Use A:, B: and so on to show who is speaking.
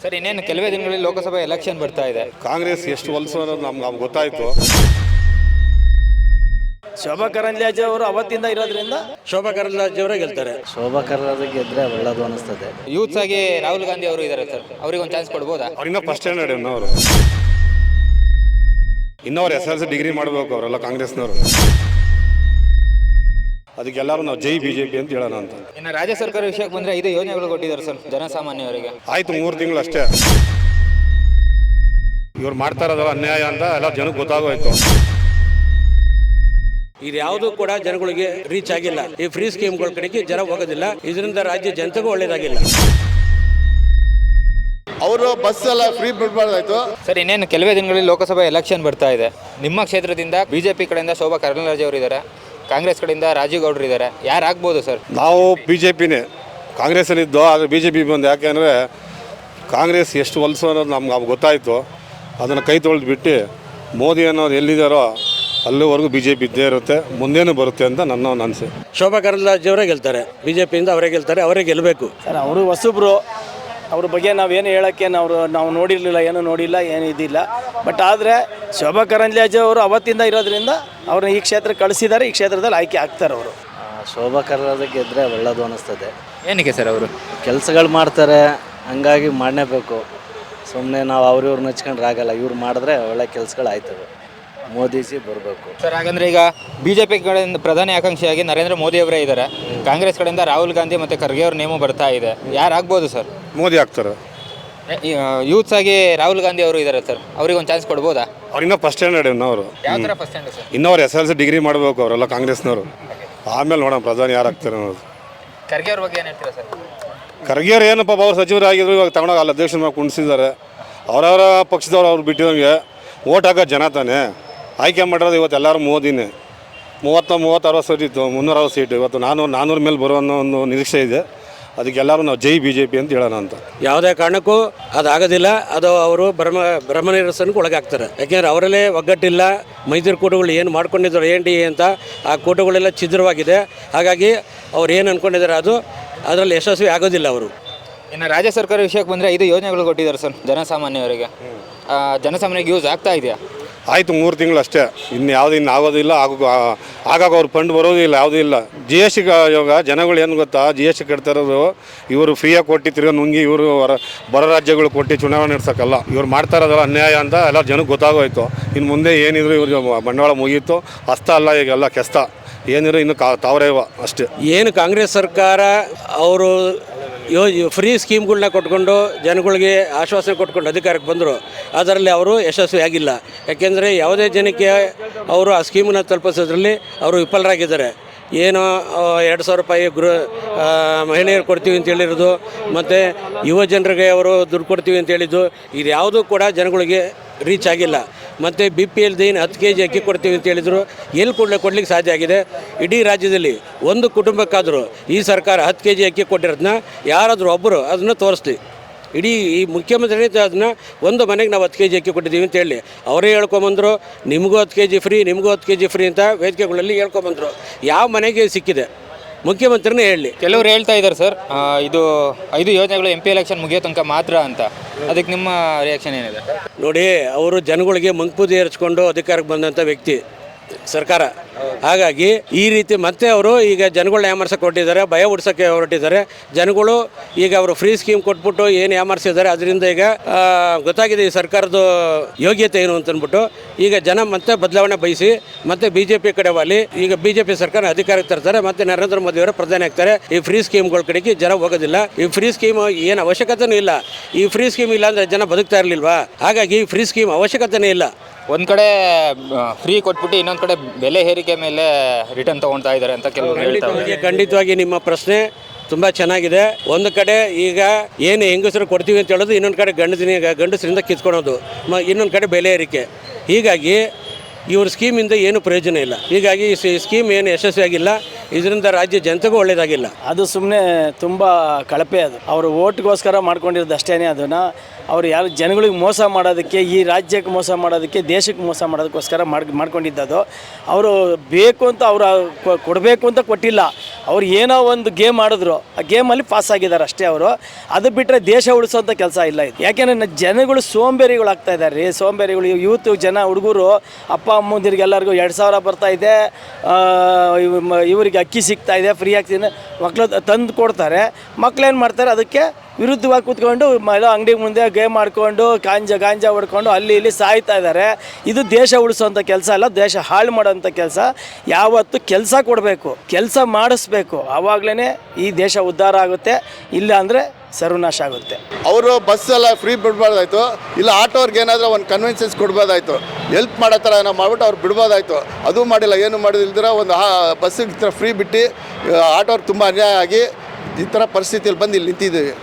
A: Sir ಇನ್ನೇನು ಕೆಲವೇ ದಿನಗಳಲ್ಲಿ ಲೋಕಸಭಾ ಎಲೆಕ್ಷನ್ ಬರ್ತಾ ಇದೆ.
B: ಕಾಂಗ್ರೆಸ್ ಎಷ್ಟು ಹೊಲಸು ಅನ್ನೋದು ನಮ್ಗೆ ಗೊತ್ತಾಯಿತು.
C: ಶೋಭಾ ಕರಂದ್ಲಾಜೆ ಅವರು ಅವತ್ತಿಂದ ಇರೋದ್ರಿಂದ
D: ಶೋಭಾ ಕರಂದ್ಲಾಜೆ ಅವರೇ ಗೆಲ್ತಾರೆ.
E: ಶೋಭಾ ಕರಂದ್ಲಾಜೆ ಗೆದ್ರೆ ಒಳ್ಳೇದು ಅನಿಸ್ತದೆ.
A: ಯೂತ್ಸ್ ಆಗಿ ರಾಹುಲ್ ಗಾಂಧಿ ಅವರು ಇದ್ದಾರೆ ಸರ್, ಅವ್ರಿಗೆ ಒಂದು ಚಾನ್ಸ್ ಕೊಡ್ಬೋದಾ?
B: ಅವ್ರಿಂದ ಫಸ್ಟ್ ಸ್ಟ್ಯಾಂಡರ್ಡ್ ಅವರು ಇನ್ನವ್ರು SLC ಡಿಗ್ರಿ ಮಾಡಬೇಕು ಅವರೆಲ್ಲ ಕಾಂಗ್ರೆಸ್ನವರು. ಅದಕ್ಕೆಲ್ಲರೂ ನಾವು ಜೈ BJP ಅಂತ ಹೇಳೋಣ ಅಂತ.
A: ಇನ್ನು ರಾಜ್ಯ ಸರ್ಕಾರ ವಿಷಯಕ್ಕೆ ಬಂದರೆ 5 ಯೋಜನೆಗಳು ಕೊಟ್ಟಿದ್ದಾರೆ ಸರ್ ಜನಸಾಮಾನ್ಯವರಿಗೆ.
B: ಆಯಿತು 3 ತಿಂಗಳು ಅಷ್ಟೇ. ಇವ್ರು ಮಾಡ್ತಾ ಇರೋದಲ್ಲ ಅನ್ಯಾಯ ಅಂತ ಎಲ್ಲ ಜನಕ್ಕೆ ಗೊತ್ತಾಗೋಯ್ತು.
D: ಇದು ಯಾವುದು ಕೂಡ ಜನಗಳಿಗೆ ರೀಚ್ ಆಗಿಲ್ಲ. ಈ ಫ್ರೀ ಸ್ಕೀಮ್ಗಳ ಕಡೆಗೆ ಜನ ಹೋಗೋದಿಲ್ಲ. ಇದರಿಂದ ರಾಜ್ಯ ಜನತೆಗೂ ಒಳ್ಳೇದಾಗಿಲ್ಲ.
F: ಅವರು ಬಸ್ ಎಲ್ಲ ಫ್ರೀ ಬಿಡಬಾರ್ದಾಯ್ತು.
A: ಸರ್ ಇನ್ನೇನು ಕೆಲವೇ ದಿನಗಳಲ್ಲಿ ಲೋಕಸಭಾ ಎಲೆಕ್ಷನ್ ಬರ್ತಾ ಇದೆ. ನಿಮ್ಮ ಕ್ಷೇತ್ರದಿಂದ BJP ಕಡೆಯಿಂದ ಶೋಭಾ ಕರಂದ್ಲಾಜೆ ಅವರು ಇದ್ದಾರೆ, ಕಾಂಗ್ರೆಸ್ ಕಡೆಯಿಂದ ರಾಜೀವ್ ಗೌಡ್ರು ಇದ್ದಾರೆ. ಯಾರು ಆಗ್ಬೋದು ಸರ್?
B: ನಾವು BJPನೇ ಕಾಂಗ್ರೆಸ್ಸಲ್ಲಿದ್ದು, ಆದರೆ BJP ಬಂದು ಯಾಕೆಂದರೆ ಕಾಂಗ್ರೆಸ್ ಎಷ್ಟು ಹೊಲಸು ಅನ್ನೋದು ನಮ್ಗೆ ಗೊತ್ತಾಯಿತು. ಅದನ್ನು ಕೈ ತೊಳೆದು ಬಿಟ್ಟು ಮೋದಿ ಅನ್ನೋರು ಎಲ್ಲಿದ್ದಾರೋ ಅಲ್ಲಿವರೆಗೂ BJP ಇದ್ದೇ ಇರುತ್ತೆ, ಮುಂದೇನೂ ಬರುತ್ತೆ ಅಂತ ನನ್ನ ಅನಿಸೆ.
D: ಶೋಭಾ ಕರಂದ್ಲಾಜೆ ಅವರೇ ಗೆಲ್ತಾರೆ. BJPಯಿಂದ ಅವರೇ ಗೆಲ್ತಾರೆ, ಅವರೇ ಗೆಲ್ಲಬೇಕು.
C: ಸರ್ ಅವರು ಹೊಸಬ್ರು, ಅವ್ರ ಬಗ್ಗೆ ನಾವೇನು ಹೇಳೋಕ್ಕೆ ನಾವು ನೋಡಿರಲಿಲ್ಲ, ಏನೂ ನೋಡಿಲ್ಲ, ಏನು ಇದಿಲ್ಲ. ಬಟ್ ಆದರೆ ಶೋಭಾ ಕರಂದ್ಲಾಜೆ ಅವರು ಅವತ್ತಿಂದ ಇರೋದ್ರಿಂದ ಅವ್ರನ್ನ ಈ ಕ್ಷೇತ್ರಕ್ಕೆ ಕಳಿಸಿದ್ದಾರೆ, ಈ ಕ್ಷೇತ್ರದಲ್ಲಿ ಆಯ್ಕೆ ಆಗ್ತಾರೆ ಅವರು.
E: ಶೋಭಾ ಕರಂದ್ಲಾಜೆ ಗೆದ್ರೆ ಒಳ್ಳೇದು ಅನಿಸ್ತದೆ.
A: ಏನಕ್ಕೆ ಸರ್? ಅವರು
E: ಕೆಲಸಗಳು ಮಾಡ್ತಾರೆ, ಹಂಗಾಗಿ ಮಾಡಲೇಬೇಕು. ಸುಮ್ಮನೆ ನಾವು ಅವ್ರನ್ನ ಹಚ್ಕೊಂಡ್ರೆ ಆಗಲ್ಲ. ಇವ್ರು ಮಾಡಿದ್ರೆ ಒಳ್ಳೆ ಕೆಲಸಗಳು ಆಯ್ತವೆ. ಮೋದಿಜಿ ಬರಬೇಕು
A: ಸರ್. ಹಾಗಂದ್ರೆ ಈಗ BJP ಕಡೆಯಿಂದ ಪ್ರಧಾನಿ ಆಕಾಂಕ್ಷಿಯಾಗಿ ನರೇಂದ್ರ ಮೋದಿ ಅವರೇ ಇದ್ದಾರೆ, ಕಾಂಗ್ರೆಸ್ ಕಡೆಯಿಂದ ರಾಹುಲ್ ಗಾಂಧಿ ಮತ್ತು ಖರ್ಗೆ ಅವ್ರ ನೇಮು ಬರ್ತಾ ಇದೆ. ಯಾರು ಆಗ್ಬೋದು ಸರ್?
B: ಮೋದಿ ಆಗ್ತಾರೆ.
A: ಯೂತ್ಸ್ ಆಗಿ ರಾಹುಲ್ ಗಾಂಧಿ ಅವರು ಇದ್ದಾರೆ ಸರ್, ಅವ್ರಿಗೆ ಒಂದು ಚಾನ್ಸ್ ಕೊಡ್ಬೋದಾ?
B: ಅವ್ರಿಂದ ಫಸ್ಟ್ ಸ್ಟ್ಯಾಂಡರ್ಡ್ ಅವರು
A: ಯಾವ ಥರ ಫಸ್ಟ್ ಸ್ಟ್ಯಾಂಡರ್ಡ್ ಸರ್?
B: ಇನ್ನವ್ರು SLC ಡಿಗ್ರಿ ಮಾಡಬೇಕು ಅವರೆಲ್ಲ ಕಾಂಗ್ರೆಸ್ನವರು. ಆಮೇಲೆ ನೋಡೋಣ ಪ್ರಧಾನಿ ಯಾರು ಆಗ್ತಾರೆ ಅನ್ನೋದು.
A: ಖರ್ಗೆ ಅವ್ರ ಬಗ್ಗೆ ಏನು ಹೇಳ್ತೀರಾ ಸರ್?
B: ಖರ್ಗೆಯವ್ರು ಏನಪ್ಪ ಅವ್ರು ಸಚಿವರಾಗಿದ್ರು, ಇವಾಗ ತಗೊಂಡೋಗಿ ಅಲ್ಲಿ ಅಧ್ಯಕ್ಷನ ಮಾಡಿ ಕುಣಿಸಿದ್ದಾರೆ. ಅವರವರ ಪಕ್ಷದವ್ರು ಅವ್ರು ಬಿಟ್ಟಿದಂಗೆ ಓಟ್ ಹಾಕೋ ಜನ ತಾನೆ ಆಯ್ಕೆ ಮಾಡಿರೋದು. ಇವತ್ತು ಎಲ್ಲರೂ ಮೋದಿನೇ. 30-60 ಸೀಟ್ ಇತ್ತು, 360 ಸೀಟು. ಇವತ್ತು 400 ಮೇಲೆ ಬರೋ ಅನ್ನೋ ಒಂದು ನಿರೀಕ್ಷೆ ಇದೆ. ಅದಕ್ಕೆಲ್ಲರೂ ನಾವು ಜೈ BJP ಅಂತ ಹೇಳೋಣ ಅಂತ.
D: ಯಾವುದೇ ಕಾರಣಕ್ಕೂ ಅದಾಗೋದಿಲ್ಲ. ಅದು ಅವರು ಭ್ರಮ ನಿರಸನಕ್ಕೆ ಒಳಗಾಗ್ತಾರೆ. ಯಾಕೆಂದರೆ ಅವರಲ್ಲೇ ಒಗ್ಗಟ್ಟಿಲ್ಲ. ಮೈತ್ರಿಕೂಟಗಳು ಏನು ಮಾಡ್ಕೊಂಡಿದ್ರು NDA ಅಂತ, ಆ ಕೂಟಗಳೆಲ್ಲ ಛಿದ್ರವಾಗಿದೆ. ಹಾಗಾಗಿ ಅವ್ರು ಏನು ಅಂದ್ಕೊಂಡಿದ್ದಾರೆ ಅದರಲ್ಲಿ ಯಶಸ್ವಿ ಆಗೋದಿಲ್ಲ ಅವರು.
A: ಇನ್ನು ರಾಜ್ಯ ಸರ್ಕಾರ ವಿಷಯಕ್ಕೆ ಬಂದರೆ 5 ಯೋಜನೆಗಳು ಕೊಟ್ಟಿದ್ದಾರೆ ಸರ್ ಜನಸಾಮಾನ್ಯವರಿಗೆ. ಜನಸಾಮಾನ್ಯರಿಗೆ ಯೂಸ್ ಆಗ್ತಾ ಇದೆಯಾ?
B: ಆಯಿತು 3 ತಿಂಗಳು ಅಷ್ಟೇ. ಇನ್ನು ಆಗೋದಿಲ್ಲ. ಆಗಾಗ ಅವ್ರು ಫಂಡ್ ಬರೋದಿಲ್ಲ, ಯಾವುದೂ ಇಲ್ಲ. GST ಇವಾಗ ಜನಗಳು ಏನು ಗೊತ್ತಾ, GST ಕಟ್ತಾ ಇರೋದು ಇವರು ಫ್ರೀಯಾಗಿ ಕೊಟ್ಟು ತಿರ್ಗಾ ನುಂಗಿ ಇವರು ಬರೋ ರಾಜ್ಯಗಳು ಕೊಟ್ಟು ಚುನಾವಣೆ ನಡೆಸೋಕ್ಕಲ್ಲ. ಇವ್ರು ಮಾಡ್ತಾ ಇರೋದಲ್ಲ ಅನ್ಯಾಯ ಅಂತ ಎಲ್ಲ ಜನಕ್ಕೆ ಗೊತ್ತಾಗೋಯ್ತು. ಇನ್ನು ಮುಂದೆ ಏನಿದ್ರು ಇವ್ರಿಗೆ ಬಂಡವಾಳ ಮುಗೀತು. ಹಸ್ತ ಅಲ್ಲ, ಈಗೆಲ್ಲ ಕೆಸ್ತ. ಏನಿದ್ರು ಇನ್ನು ತಾವರೇವ ಅಷ್ಟೇ.
D: ಏನು ಕಾಂಗ್ರೆಸ್ ಸರ್ಕಾರ ಅವರು ಫ್ರೀ ಸ್ಕೀಮ್ಗಳನ್ನ ಕೊಟ್ಕೊಂಡು ಜನಗಳಿಗೆ ಆಶ್ವಾಸನೆ ಕೊಟ್ಕೊಂಡು ಅಧಿಕಾರಕ್ಕೆ ಬಂದರು, ಅದರಲ್ಲಿ ಅವರು ಯಶಸ್ವಿ ಆಗಿಲ್ಲ. ಯಾಕೆಂದರೆ ಯಾವುದೇ ಜನಕ್ಕೆ ಅವರು ಆ ಸ್ಕೀಮನ್ನು ತಲುಪಿಸೋದ್ರಲ್ಲಿ ಅವರು ವಿಫಲರಾಗಿದ್ದಾರೆ. ಏನು 2,000 ರೂಪಾಯಿ ಮಹಿಳೆಯರು ಕೊಡ್ತೀವಿ ಅಂತ ಹೇಳಿರೋದು, ಮತ್ತು ಯುವ ಜನರಿಗೆ ಅವರು ದುಡ್ಡು ಕೊಡ್ತೀವಿ ಅಂತ ಹೇಳಿದ್ದು, ಇದು ಯಾವುದೂ ಕೂಡ ಜನಗಳಿಗೆ ರೀಚ್ ಆಗಿಲ್ಲ. ಮತ್ತು BPL 10 kg ಅಕ್ಕಿ ಕೊಡ್ತೀವಿ ಅಂತ ಹೇಳಿದರು, ಎಲ್ಲಿ ಕೊಡ್ಲಿಕ್ಕೆ ಸಾಧ್ಯ ಆಗಿದೆ? ಇಡೀ ರಾಜ್ಯದಲ್ಲಿ ಒಂದು ಕುಟುಂಬಕ್ಕಾದರೂ ಈ ಸರ್ಕಾರ 10 kg ಅಕ್ಕಿ ಕೊಟ್ಟಿರೋದನ್ನ ಯಾರಾದರೂ ಒಬ್ಬರು ಅದನ್ನು ತೋರಿಸ್ಲಿ. ಇಡೀ ಈ ಮುಖ್ಯಮಂತ್ರಿ ಅದನ್ನು ಒಂದು ಮನೆಗೆ ನಾವು 10 kg ಅಕ್ಕಿ ಕೊಟ್ಟಿದ್ದೀವಿ ಅಂತ ಹೇಳಿ ಅವರೇ ಹೇಳ್ಕೊಂಬಂದರು. ನಿಮಗೂ 10 kg ಫ್ರೀ, ನಿಮಗೂ 10 kg ಫ್ರೀ ಅಂತ ವೇದಿಕೆಗಳಲ್ಲಿ ಹೇಳ್ಕೊಂಬಂದರು. ಯಾವ ಮನೆಗೆ ಸಿಕ್ಕಿದೆ? ಮುಖ್ಯಮಂತ್ರಿನೇ ಹೇಳಿ.
A: ಕೆಲವರು ಹೇಳ್ತಾ ಇದ್ದಾರೆ ಸರ್, ಇದು 5 ಯೋಜನೆಗಳು MP ಎಲೆಕ್ಷನ್ ಮುಗಿಯೋ ತನಕ ಮಾತ್ರ ಅಂತ. ಅದಕ್ಕೆ ನಿಮ್ಮ ರಿಯಾಕ್ಷನ್ ಏನಿದೆ?
D: ನೋಡಿ, ಅವರು ಜನಗಳಿಗೆ ಮಂಕುಪೂಜೆ ಏರಿಸ್ಕೊಂಡು ಅಧಿಕಾರಕ್ಕೆ ಬಂದಂಥ ವ್ಯಕ್ತಿ ಸರ್ಕಾರ. ಹಾಗಾಗಿ ಈ ರೀತಿ ಮತ್ತೆ ಅವರು ಈಗ ಜನಗಳನ್ನ ಯಾಮರ್ಸಕ್ಕೆ ಹೊರಟಿದ್ದಾರೆ, ಭಯ ಹುಡ್ಸೋಕ್ಕೆ ಹೊರಟಿದ್ದಾರೆ. ಜನಗಳು ಈಗ ಅವರು ಫ್ರೀ ಸ್ಕೀಮ್ ಕೊಟ್ಬಿಟ್ಟು ಏನು ಯಾಮರ್ಸಿದ್ದಾರೆ, ಅದರಿಂದ ಈಗ ಗೊತ್ತಾಗಿದೆ ಈ ಸರ್ಕಾರದ ಯೋಗ್ಯತೆ ಏನು ಅಂತಂದ್ಬಿಟ್ಟು ಈಗ ಜನ ಮತ್ತೆ ಬದಲಾವಣೆ ಬಯಸಿ ಮತ್ತೆ BJP ಕಡೆ ವಾಲಿ ಈಗ BJP ಸರ್ಕಾರ ಅಧಿಕಾರಕ್ಕೆ ತರ್ತಾರೆ. ಮತ್ತೆ ನರೇಂದ್ರ ಮೋದಿ ಅವರ ಪ್ರಧಾನಿ ಆಗ್ತಾರೆ. ಈ ಫ್ರೀ ಸ್ಕೀಮ್ಗಳ ಕಡೆಗೆ ಜನ ಹೋಗೋದಿಲ್ಲ. ಈ ಫ್ರೀ ಸ್ಕೀಮ್ ಏನು ಅವಶ್ಯಕತೆನೂ ಇಲ್ಲ. ಈ ಫ್ರೀ ಸ್ಕೀಮ್ ಇಲ್ಲ ಅಂದರೆ ಜನ ಬದುಕ್ತಾ ಇರಲಿಲ್ವಾ? ಹಾಗಾಗಿ ಈ ಫ್ರೀ ಸ್ಕೀಮ್ ಅವಶ್ಯಕತೆನೇ ಇಲ್ಲ.
A: ಒಂದು ಕಡೆ ಫ್ರೀ ಕೊಟ್ಬಿಟ್ಟು ಇನ್ನೊಂದು ಕಡೆ ಬೆಲೆ ಏರಿಕೆ ಮೇಲೆ ರಿಟರ್ನ್ ತೊಗೊಳ್ತಾ ಇದ್ದಾರೆ ಅಂತ ಕೆಲವರು ಹೇಳ್ತಾರೆ.
D: ಖಂಡಿತವಾಗಿ ನಿಮ್ಮ ಪ್ರಶ್ನೆ ತುಂಬ ಚೆನ್ನಾಗಿದೆ. ಒಂದು ಕಡೆ ಈಗ ಏನು ಹೆಂಗಸರು ಕೊಡ್ತೀವಿ ಅಂತ ಹೇಳೋದು, ಇನ್ನೊಂದು ಕಡೆ ಗಂಡಸರಿಂದ ಕಿತ್ಕೊಳೋದು, ಇನ್ನೊಂದು ಕಡೆ ಬೆಲೆ ಏರಿಕೆ. ಹೀಗಾಗಿ ಇವ್ರ ಸ್ಕೀಮಿಂದ ಏನು ಪ್ರಯೋಜನ ಇಲ್ಲ. ಹೀಗಾಗಿ ಈ ಸ್ಕೀಮ್ ಏನು ಯಶಸ್ವಿಯಾಗಿಲ್ಲ. ಇದರಿಂದ ರಾಜ್ಯ ಜನತೆಗೂ ಒಳ್ಳೆಯದಾಗಿಲ್ಲ.
C: ಅದು ಸುಮ್ಮನೆ ತುಂಬ ಕಳಪೆ. ಅದು ಅವರು ಓಟ್ಗೋಸ್ಕರ ಮಾಡ್ಕೊಂಡಿರೋದು ಅಷ್ಟೇ. ಅದನ್ನು ಅವರು ಯಾರು ಜನಗಳಿಗೆ ಮೋಸ ಮಾಡೋದಕ್ಕೆ, ಈ ರಾಜ್ಯಕ್ಕೆ ಮೋಸ ಮಾಡೋದಕ್ಕೆ, ದೇಶಕ್ಕೆ ಮೋಸ ಮಾಡೋದಕ್ಕೋಸ್ಕರ ಮಾಡ್ಕೊಂಡಿದ್ದದು. ಅವರು ಬೇಕು ಅಂತ ಅವರು ಕೊಡಬೇಕು ಅಂತ ಕೊಟ್ಟಿಲ್ಲ. ಅವ್ರು ಏನೋ ಒಂದು ಗೇಮ್ ಆಡಿದ್ರು, ಆ ಗೇಮಲ್ಲಿ ಪಾಸ್ ಆಗಿದ್ದಾರೆ ಅಷ್ಟೇ ಅವರು. ಅದು ಬಿಟ್ಟರೆ ದೇಶ ಉಳಿಸೋಂಥ ಕೆಲಸ ಇಲ್ಲ ಇದು. ಯಾಕೆಂದರೆ ಜನಗಳು ಸೋಂಬೇರಿಗಳು ಆಗ್ತಾ ಇದ್ದಾರೆ ರೀ, ಸೋಂಬೇರಿಗಳು. ಯೂತ್ ಜನ ಹುಡುಗರು ಅಪ್ಪ ಅಮ್ಮಂದಿರಿಗೆ ಎಲ್ಲರಿಗೂ 2000 ಬರ್ತಾ ಇದೆ, ಇವರಿಗೆ ಅಕ್ಕಿ ಸಿಗ್ತಾ ಇದೆ, ಫ್ರೀ ಆಗ್ತಿದೆ, ಮಕ್ಕಳು ತಂದು ಕೊಡ್ತಾರೆ. ಮಕ್ಳೇನು ಮಾಡ್ತಾರೆ, ಅದಕ್ಕೆ ವಿರುದ್ಧವಾಗಿ ಕೂತ್ಕೊಂಡು ಅಂಗಡಿ ಮುಂದೆ ಗೇಮ್ ಆಡ್ಕೊಂಡು ಗಾಂಜಾ ಹೊಡ್ಕೊಂಡು ಅಲ್ಲಿ ಇಲ್ಲಿ ಸಾಯ್ತಾ ಇದ್ದಾರೆ. ಇದು ದೇಶ ಉಳಿಸೋಂಥ ಕೆಲಸ ಅಲ್ಲ, ದೇಶ ಹಾಳು ಮಾಡೋಂಥ ಕೆಲಸ. ಯಾವತ್ತು ಕೆಲಸ ಕೊಡಬೇಕು, ಕೆಲಸ ಮಾಡಿಸ್ಬೇಕು, ಆವಾಗಲೇ ಈ ದೇಶ ಉದ್ಧಾರ ಆಗುತ್ತೆ. ಇಲ್ಲ ಅಂದರೆ ಸರ್ವನಾಶ ಆಗುತ್ತೆ.
F: ಅವರು ಬಸ್ ಎಲ್ಲ ಫ್ರೀ ಬಿಡ್ಬಾರ್ದಾಯ್ತು, ಇಲ್ಲ ಆಟೋರ್ಗೆ ಏನಾದರೂ ಒಂದು ಕನ್ವೆನ್ಸನ್ಸ್ ಕೊಡ್ಬೋದಾಯ್ತು, ಹೆಲ್ಪ್ ಮಾಡೋ ಥರ ಏನೋ ಮಾಡ್ಬಿಟ್ಟು ಅವ್ರು ಬಿಡ್ಬೋದಾಯ್ತು. ಅದು ಮಾಡಿಲ್ಲ, ಏನು ಮಾಡೋದಿಲ್ದಿರ ಒಂದು ಬಸ್ಸಿಗೆ ಫ್ರೀ ಬಿಟ್ಟು ಆಟೋರ್ಗೆ ತುಂಬ ಅನ್ಯಾಯ ಆಗಿ ಈ ಥರ ಪರಿಸ್ಥಿತಿಯಲ್ಲಿ ಬಂದು ಇಲ್ಲಿ ನಿಂತಿದ್ದೀವಿ.